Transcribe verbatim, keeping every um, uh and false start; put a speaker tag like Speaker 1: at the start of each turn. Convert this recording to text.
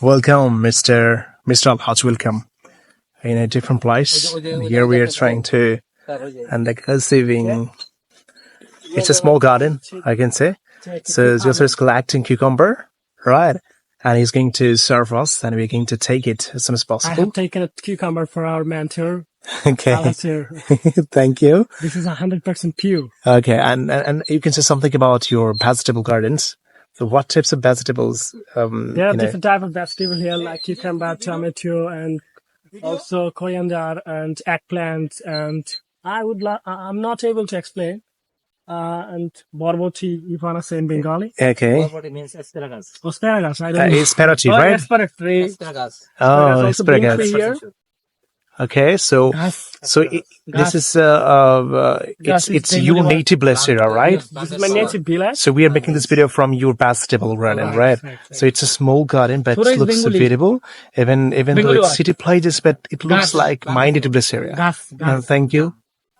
Speaker 1: Welcome, Mister Mister Alhaj. Welcome in a different place. And here we are trying to and like conceiving. It's a small garden, I can say. So Joseph is collecting cucumber, right? And he's going to serve us, and we're going to take it as soon as
Speaker 2: I
Speaker 1: possible.
Speaker 2: have taken a cucumber for our mentor.
Speaker 1: Okay.
Speaker 2: Al-Hasir.
Speaker 1: Thank you.
Speaker 2: This is one hundred percent pure.
Speaker 1: Okay, and, and and you can say something about your vegetable gardens. So, what types of vegetables? Um,
Speaker 2: There are
Speaker 1: you know,
Speaker 2: different type of vegetable here like cucumber, tomato, and also coriander and eggplant. And I would la- I- I'm not able to explain. Uh, and borboti, if you want to say in Bengali.
Speaker 1: okay,
Speaker 3: What it means asparagus.
Speaker 2: Asparagus, I
Speaker 1: uh,
Speaker 2: don't know.
Speaker 1: asparagus,
Speaker 2: Oh,
Speaker 1: right?
Speaker 2: asparagus.
Speaker 3: Asparagus.
Speaker 1: Oh,
Speaker 2: also being
Speaker 1: asparagus.
Speaker 2: here.
Speaker 1: Okay, so
Speaker 2: Gas.
Speaker 1: so it,
Speaker 2: Gas.
Speaker 1: this is uh, uh
Speaker 2: Gas
Speaker 1: it's
Speaker 2: is
Speaker 1: it's
Speaker 2: Bengali
Speaker 1: your
Speaker 2: word.
Speaker 1: native blessed area, right?
Speaker 2: This is my native village.
Speaker 1: So we are making this video from your vegetable garden,
Speaker 2: Right,
Speaker 1: right?
Speaker 2: right,
Speaker 1: So it's a small garden, but
Speaker 2: Sura
Speaker 1: it
Speaker 2: is
Speaker 1: looks
Speaker 2: Bengali.
Speaker 1: beautiful, even even though
Speaker 2: Bengali
Speaker 1: it's
Speaker 2: word.
Speaker 1: city places, but it looks
Speaker 2: Gas.
Speaker 1: like my native blessed area.
Speaker 2: Gas.
Speaker 1: Uh,
Speaker 2: Gas.
Speaker 1: thank you.